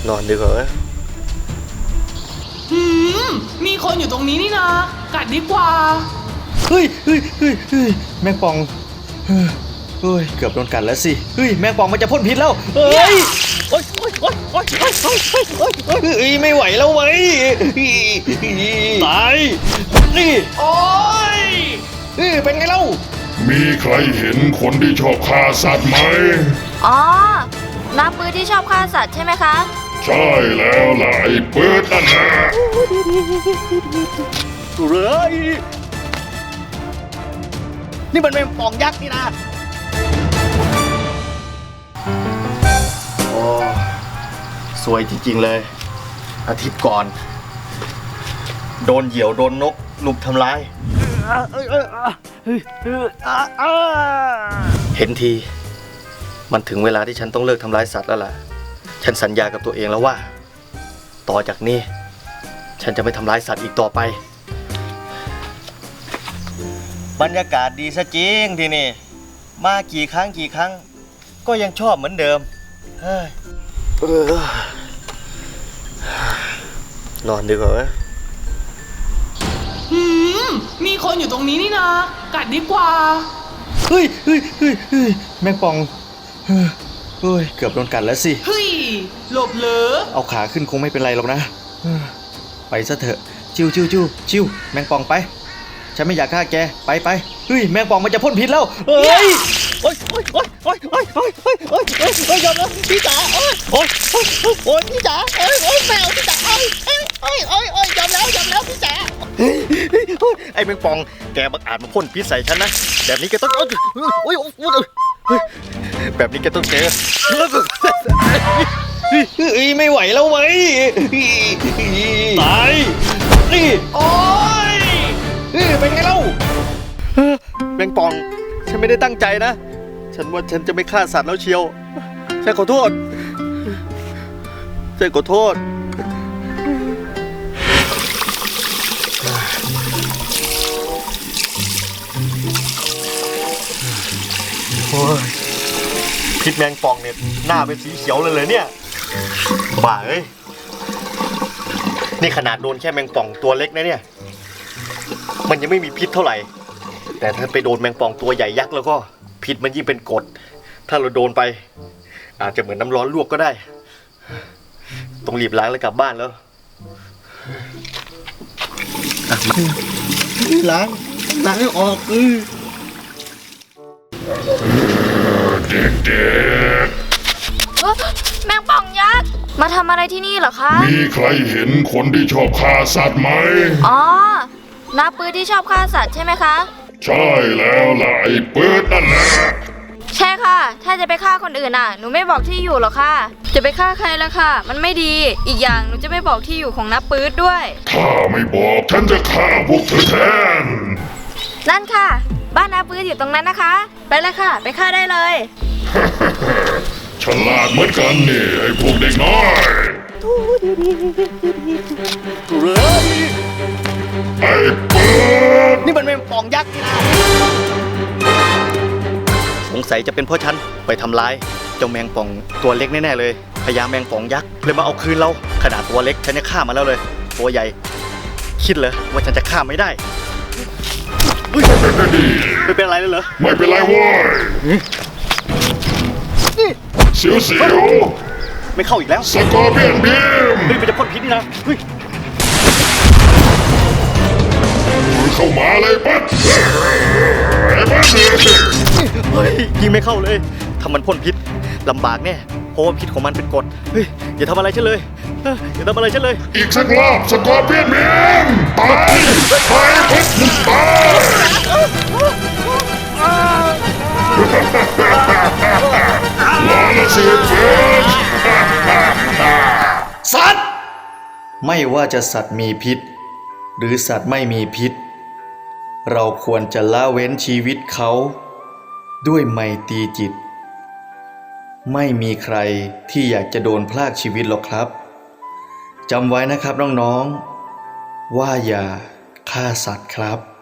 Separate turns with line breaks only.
นอนดีกว่า
มีคนอยู่ตรงนี้นี่นะกัดดีกว่า
เฮ้ยแมงป่องเฮ้ยเกือบโดนกัดแล้วสิเฮ้ยแมงป่องมันจะพ่นพิษแล้วเฮ้ยโอ๊ยไม่ไหวแล้วเว้ยตายนี่
โอ๊ย
เป็นไงเล่า
มีใครเห็นคนที่ชอบฆ่าสัตว์ไหม
อ๋อน้าปื้อที่ชอบฆ่าสัตว์ใช่ไหมคะ
ใช่แล้วล่ะไอ้เปิดนั่นนะ
นี่มันเป็นป่องยักษ์นี่นะโอ้สวยจริงๆเลยอาทิตย์ก่อนโดนเหยี่ยวโดนนกลุมทำร้ายเห็นทีมันถึงเวลาที่ฉันต้องเลิกทำร้ายสัตว์แล้วล่ะฉันสัญญากับตัวเองแล้วว่าต่อจากนี้ฉันจะไม่ทำร้ายสัตว์อีกต่อไปบรรยากาศดีซะจริงที่นี่มากี่ครั้งก็ยังชอบเหมือนเดิมนอนดีกว่า
มีคนอยู่ตรงนี้นี่นะกัดดีกว่า
เฮ้ยแมงป่องเฮ้ยเกือบโดนกัดแล้วสิ
เฮ้ยหลบเหรอ
เอาขาขึ้นคงไม่เป็นไรหรอกนะไปซะเถอะชิวแมงป่องไปฉันไม่อยากฆ่าแกไปเฮ้ยแมงป่องมันจะพ่นพิษแล้วเฮ้ยโอ๊ยยอมแล้วพี่จ๋าโอ๊ยพี่จ๋าโอ๊ยแมวพี่จ๋าโอ๊ยยอมแล้วพี่จ๋าไอ้แมงป่องแกบังอาจมาพ่นพิษใส่ฉันนะแบบนี้แกต้องแบบนี้แกต้องเจอไม่ไหวแล้วเว้ยตายนี่
โอ๊ย
เป็นไงเล่าแมงป่องฉันไม่ได้ตั้งใจนะฉันว่าฉันจะไม่ฆ่าสัตว์แล้วเชียวฉันขอโทษโอ้ยพิษแมงป่องเนี่ยหน้าเป็นสีเขียวเลยเนี่ยบ้าเอ้ยนี่ขนาดโดนแค่แมงป่องตัวเล็กนะเนี่ยมันยังไม่มีพิษเท่าไหร่แต่ถ้าไปโดนแมงป่องตัวใหญ่ยักษ์แล้วก็พิษมันยิ่งเป็นกรดถ้าเราโดนไปอาจจะเหมือนน้ำร้อนลวกก็ได้ต้องรีบล้างแล้วกลับบ้านแล้วล้างให้ออก
เด็ก
แมงป่องยักษ์มาทำอะไรที่นี่เหรอคะ
มีใครเห็นคนที่ชอบฆ่าสัตว์ไหม
อ๋อน้าปื้อที่ชอบฆ่าสัตว์ใช่ไหมคะ
ใช่แล้วล่ะไอ้เปิดนั่นนะ
ใช่ค่ะถ้าจะไปฆ่าคนอื่นหนูไม่บอกที่อยู่หรอกค่ะจะไปฆ่าใครล่ะค่ะมันไม่ดีอีกอย่างหนูจะไม่บอกที่อยู่ของน้าปื้ดด้วย
ถ้าไม่บอกฉันจะฆ่าพวกเธอแทน
นั่นค่ะบ้านน้าปื้ดอยู่ตรงนั้นนะคะไปเลยค่ะไปฆ่าได้เลย
ฉลาดเหมือนกันนี่ไอ้พวกเด็กน้อยไอ้เปิด
นี่มันเป็นป่องยักษ์สงสัยจะเป็นเพราะฉันไปทำร้ายเจ้าแมงป่องตัวเล็กแน่ๆเลยพญาแมงป่องยักษ์เลยมาเอาคืนเราขนาดตัวเล็กฉันจะฆ่ามาแล้วเลยตัวใหญ่คิดเลยว่าฉันจะฆ่าไม่ได้ไม่เป็นไรเลยเหรอ
ไม่เป็นไรเว้ยเสียว
ไม่เข้าอีกแล้ว
สกอร์เปียนบีม
มันจะพ่นพิษนี่นะ
เข้ามาเลยปั๊ด
ยิงไม่เข้าเลยถ้ามันพ่นพิษลำบากแน่เพราะว่าพิษของมันเป็นกรดอย่าทำอะไรฉันเลย
อีกสักรอบสกอร์เปียนบีมตายปุ๊บตายลาละเสียเจ็บ
สัตว์ไม่ว่าจะสัตว์มีพิษหรือสัตว์ไม่มีพิษเราควรจะละเว้นชีวิตเขาด้วยไมตรีจิตไม่มีใครที่อยากจะโดนพรากชีวิตหรอกครับจำไว้นะครับน้องๆว่าอย่าฆ่าสัตว์ครับ